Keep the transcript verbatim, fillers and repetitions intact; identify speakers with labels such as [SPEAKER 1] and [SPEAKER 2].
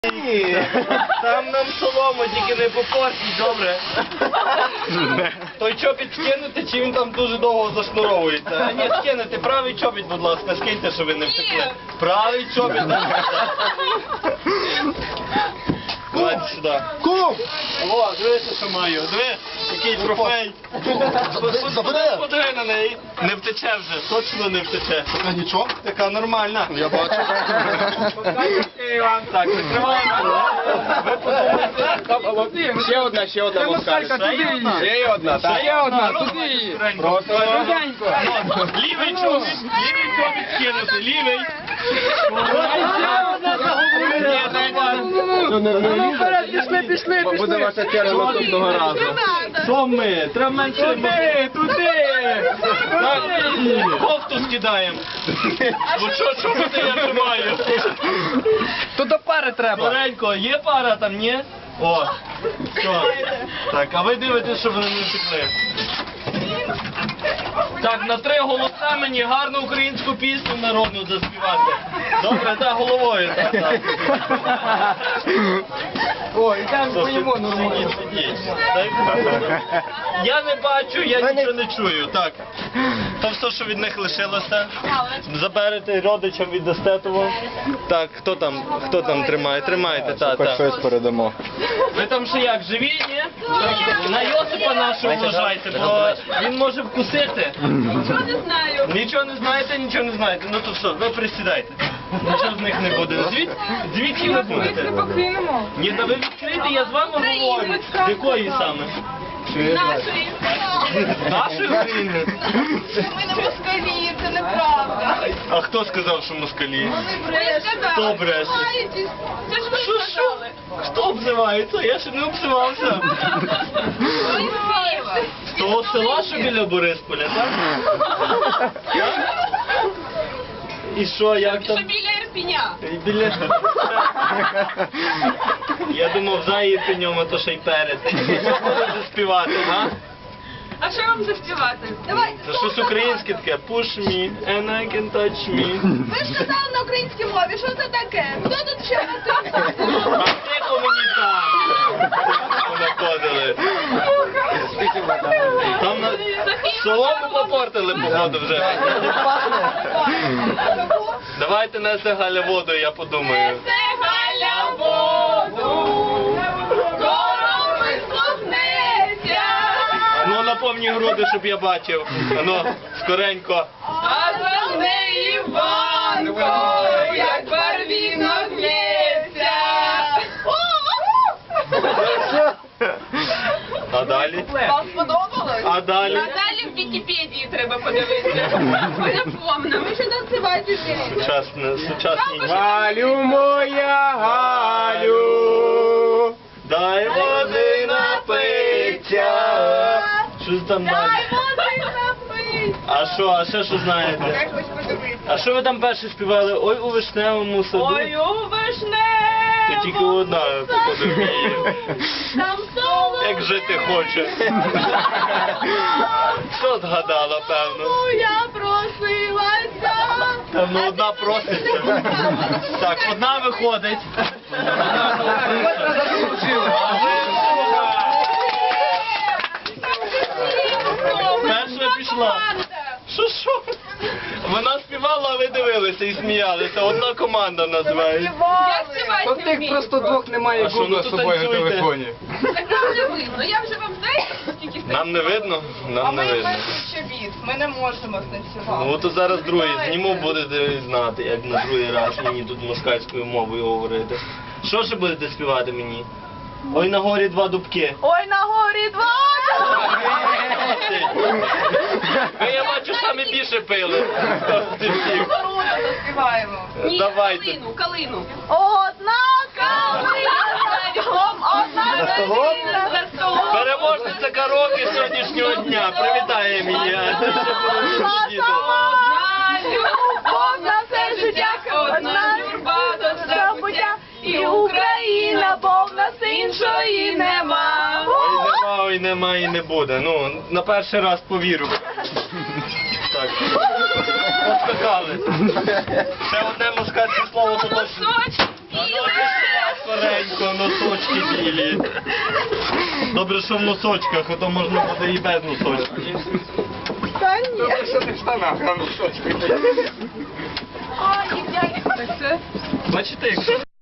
[SPEAKER 1] Там нам солому, тільки не попортіть, добре? Той чобіт скинути, чи він там дуже довго зашнуровується? А ні, скинете правий чобіт, будь ласка, скиньте, щоб ви не втекли. Правий чобіт. Давайте сюди.
[SPEAKER 2] Кум!
[SPEAKER 1] О, дивися, що маю. Диви, який трофей. Подиви на неї. Не втече вже, точно не втече.
[SPEAKER 2] А нічого?
[SPEAKER 1] Така нормальна.
[SPEAKER 2] Я бачу.
[SPEAKER 1] Так, закриваємо. Ви подумайте.
[SPEAKER 3] Ще одна, ще одна москалька. Ще є одна, так? Ще одна, туди її. Просто руденько.
[SPEAKER 1] Лівий чобіт, лівий чобіт скинути, лівий.
[SPEAKER 3] Ну вперед, пішли, пішли, пішли. Буде ваша черга наступного разу.
[SPEAKER 1] Що ми? Треба менше.
[SPEAKER 3] Туди, туди.
[SPEAKER 1] Кофту скидаємо. Бо що, що буде, я тримаю?
[SPEAKER 3] Тут до пари треба.
[SPEAKER 1] Скоренько, є пара там, ні? О, що? Так, а ви дивитесь, щоб вони не втекли. Так, на три голоса мені гарну українську пісню народну заспівати. Добре, так, головою. Так, так.
[SPEAKER 3] О, і там
[SPEAKER 1] Що,
[SPEAKER 3] поїмо
[SPEAKER 1] сидіть,
[SPEAKER 3] нормально.
[SPEAKER 1] сидіть. Так. Я не бачу, я нічого не чую. Так. То все, що від них лишилося. Заберете родичам, віддасте того. Так, хто там, хто там тримає? Тримайте, так,
[SPEAKER 2] Хоч
[SPEAKER 1] так.
[SPEAKER 2] щось передамо.
[SPEAKER 1] Ви там ще як, живі, ні? На Йосипа нашого вважайте, бо він може вкусити.
[SPEAKER 4] Нічого не знаю.
[SPEAKER 1] Нічого не знаєте, нічого не знаєте. Ну то все, ви присідайте. Нічого з них не буде. Звід, звідки ви будете?
[SPEAKER 4] покинемо.
[SPEAKER 1] Ні, та ви відкрийте, я з вами говорю. З якої саме?
[SPEAKER 4] Нашої.
[SPEAKER 1] Нашої України?
[SPEAKER 4] Ми не москалі, це неправда.
[SPEAKER 1] А хто сказав, що москалі?
[SPEAKER 4] Ви
[SPEAKER 1] Хто бреше?
[SPEAKER 4] Це ж ви
[SPEAKER 1] Що, що?
[SPEAKER 4] сказали.
[SPEAKER 1] Хто обзивається? Я ще не обзивався.
[SPEAKER 4] Ви з Києва.
[SPEAKER 1] З того села, що біля Борисполя, так? І що, як
[SPEAKER 4] Що
[SPEAKER 1] там?
[SPEAKER 4] біля Ірпіня.
[SPEAKER 1] І біля... Я думав, за Ірпенем, а то ще й перед. Що будете співати, га?
[SPEAKER 4] А що вам заспівати? Давай.
[SPEAKER 1] Це щось українське таке. Push me and I can touch me.
[SPEAKER 4] Ви ж сказали на українській мові, що це таке? Хто тут ще на тим?
[SPEAKER 1] А тихо мені там. Понаходили. Там на... солому попортили, походу, вже. Давайте несе Галя воду, я подумаю.
[SPEAKER 4] Це Галя воду, скоро висохнеться.
[SPEAKER 1] Ну, на повні груди, щоб я бачив. Ну, скоренько.
[SPEAKER 4] А за неї банко, як барвінок лється.
[SPEAKER 1] А далі?
[SPEAKER 4] Вам сподобалось?
[SPEAKER 1] А далі?
[SPEAKER 4] А далі в Вікіпедії треба подивитися. Ми не помнимо, ви ще танцювати вмієте.
[SPEAKER 1] Сучасне, сучасні.
[SPEAKER 3] Галю моя, Галю.
[SPEAKER 1] Дай води напиться. Що там
[SPEAKER 4] Дай
[SPEAKER 1] далі?
[SPEAKER 4] води напить.
[SPEAKER 1] А що, а ще що знаєте?
[SPEAKER 4] Я хочу подивитися.
[SPEAKER 1] А що ви там перше співали? Ой, у вишневому саду.
[SPEAKER 4] Ой, у вишневому
[SPEAKER 1] Ти тільки одна, походу, вміє.
[SPEAKER 4] там соло.
[SPEAKER 1] Як жити хоче. Що згадала, певно?
[SPEAKER 4] Я просилася.
[SPEAKER 1] Там ну, одна проситься. Так, одна виходить. Перша пішла. Що, що? Вона співала, а ви дивилися і сміялися. Одна команда називається.
[SPEAKER 4] Я співати
[SPEAKER 3] От
[SPEAKER 4] не
[SPEAKER 3] тих
[SPEAKER 4] вмію.
[SPEAKER 3] просто двох немає
[SPEAKER 1] А що,
[SPEAKER 3] гугла
[SPEAKER 1] ну
[SPEAKER 3] з
[SPEAKER 1] то
[SPEAKER 3] собою на
[SPEAKER 1] танцюйте.
[SPEAKER 3] телефоні.
[SPEAKER 4] Так нам не видно. Я вже вам знаєте, скільки станцюю?
[SPEAKER 1] Нам не видно? Нам не видно.
[SPEAKER 4] чобіт. Ми не можемо станцювати.
[SPEAKER 1] Ну то зараз другий зніму, будете знати, як на другий раз мені тут москальською мовою говорити. Що ще будете співати мені? Ой, на горі два дубки.
[SPEAKER 4] Ой, на горі два.
[SPEAKER 1] Ви, я бачу, самі більше пили.
[SPEAKER 4] Коруна заспіваємо. Ні,
[SPEAKER 1] Давайте.
[SPEAKER 4] калину, калину. Одна калина за столом, одна калина за столом.
[SPEAKER 1] Переможниця караоке сьогоднішнього дня. Привітає мене. А ти ще будеш сидіти.
[SPEAKER 4] Одна любов на все життя, одна юрба до забуття. І Україна, бо в нас іншої нема.
[SPEAKER 1] Ой, нема, ой, нема і не буде. Ну, на перший раз повірю. Так. Поскакали. Ще одне москальське слово, то точно.
[SPEAKER 4] Сочі,
[SPEAKER 1] А ну,
[SPEAKER 4] біле.
[SPEAKER 1] будь ласка. скоренько, носочки білі. Добре, що в носочках, а то можна буде і без носочків.
[SPEAKER 4] Та ні.
[SPEAKER 3] Добре, що не в штанах, а в носочках.
[SPEAKER 4] А, ні, дядько.
[SPEAKER 1] Бачите, якщо